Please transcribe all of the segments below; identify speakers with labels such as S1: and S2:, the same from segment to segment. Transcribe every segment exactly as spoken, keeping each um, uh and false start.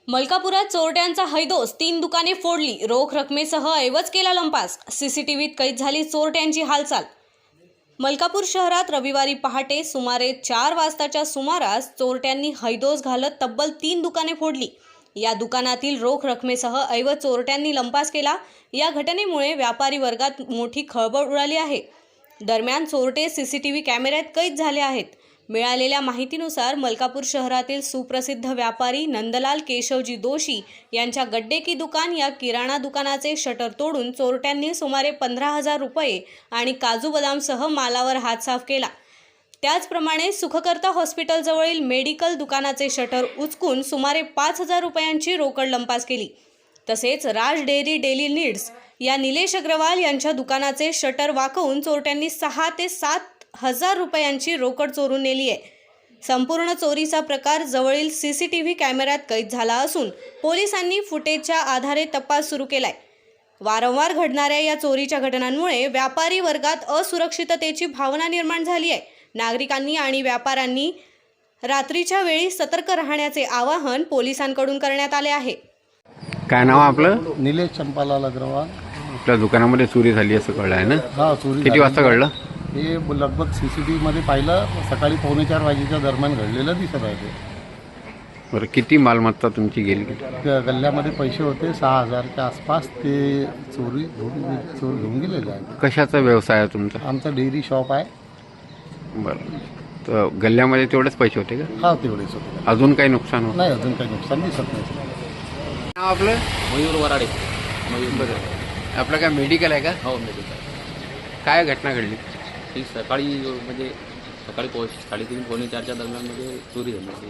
S1: मलकापुरात चोरट्यांचा हैदोस, तीन दुकाने फोडली, रोख रकमेसह ऐवज केला लंपास. सीसीटीव्हीत कैद झाली चोरट्यांची हालचाल. मलकापूर शहरात रविवारी पहाटे सुमारे चार वाजताच्या सुमारास चोरट्यांनी हैदोस घालत तब्बल तीन दुकाने फोडली. या दुकानातील रोख रकमेसह ऐवज चोरट्यांनी लंपास केला. या घटनेमुळे व्यापारी वर्गात मोठी खळबळ उडाली आहे. दरम्यान चोरटे सीसीटीव्ही कॅमेऱ्यात कैद झाले आहेत. मिळालेल्या माहितीनुसार मलकापूर शहरातील सुप्रसिद्ध व्यापारी नंदलाल केशवजी दोशी यांच्या गड्डे की दुकान या किराणा दुकानाचे शटर तोडून चोरट्यांनी सुमारे पंधरा हजार रुपये आणि काजू बदामसह मालावर हात साफ केला. त्याचप्रमाणे सुखकर्ता हॉस्पिटलजवळील मेडिकल दुकानाचे शटर उचकून सुमारे पाच हजार रुपयांची रोकड लंपास केली. तसेच राज डेअरी डेली नीड्स या निलेश अग्रवाल यांच्या दुकानाचे शटर वाकवून चोरट्यांनी सहा ते सात हजार रुपयांची रोकड चोरून नेली आहे. संपूर्ण चोरीचा प्रकार जवळील सीसीटीव्ही कॅमेऱ्यात कैद झाला असून पोलिसांनी फुटेजच्या आधारे तपास सुरू केलाय. वारंवार घडणाऱ्या या चोरीच्या घटनांमुळे व्यापारी वर्गात असुरक्षिततेची भावना निर्माण झाली आहे. नागरिकांनी आणि व्यापाऱ्यांनी रात्रीच्या वेळी सतर्क राहण्याचे आवाहन पोलिसांकडून करण्यात आले आहे.
S2: काय नाव आपलं?
S3: निलेश चंपालाल अग्रवाल.
S2: आपल्या दुकानामध्ये चोरी झाली असं कळलं आहे ना?
S3: हा, चोरी
S2: किती वाजता घडलं
S3: हे? लगभग सी सी टी व्हीमध्ये पाहिलं, सकाळी पावणे चार वाजेच्या दरम्यान घडलेलं दिसत आहे. ते
S2: बरं, किती मालमत्ता तुमची गेली?
S3: त्या गल्ल्यामध्ये पैसे होते सहा हजारच्या आसपास. ते चोरी घेऊन चोर घेऊन गेलेले आहे.
S2: कशाचा व्यवसाय आहे तुमचा?
S3: आमचं डेअरी शॉप आहे.
S2: बरं, तर गल्ल्यामध्ये तेवढेच पैसे होते का?
S3: हा, तेवढेच होते.
S2: अजून काही नुकसान होतं?
S3: नाही, अजून काही नुकसान दिसत नाही.
S2: नाव आपलं?
S4: मयूर वराडे. मयूर.
S2: बरं, आपलं काय मेडिकल आहे का?
S4: हो, मेडिकल.
S2: काय घटना घडली?
S4: ही सकाळी म्हणजे सकाळी पोच साडेतीन पावणे चारच्या दरम्यानमध्ये चोरी झाली.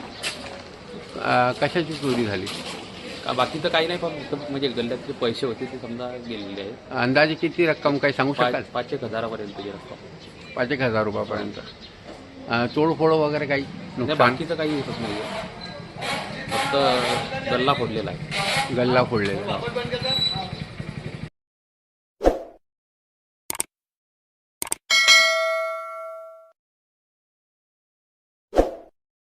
S2: अं, कशाची चोरी झाली?
S4: का बाकी तर काही नाही, पण फक्त म्हणजे गल्ल्यातले पैसे होते ते समजा गेलेले आहेत.
S2: अंदाजे किती रक्कम काही सांगू शकाल?
S4: पाच पाच एक हजारापर्यंतची रक्कम.
S2: पाच एक हजार रुपयापर्यंत. अं, तोडफोड वगैरे काही
S4: नाही,
S2: नुकसान?
S4: बाकीचं काही होतच नाही आहे. फक्त गल्ला फोडलेला आहे.
S2: गल्ला फोडलेला.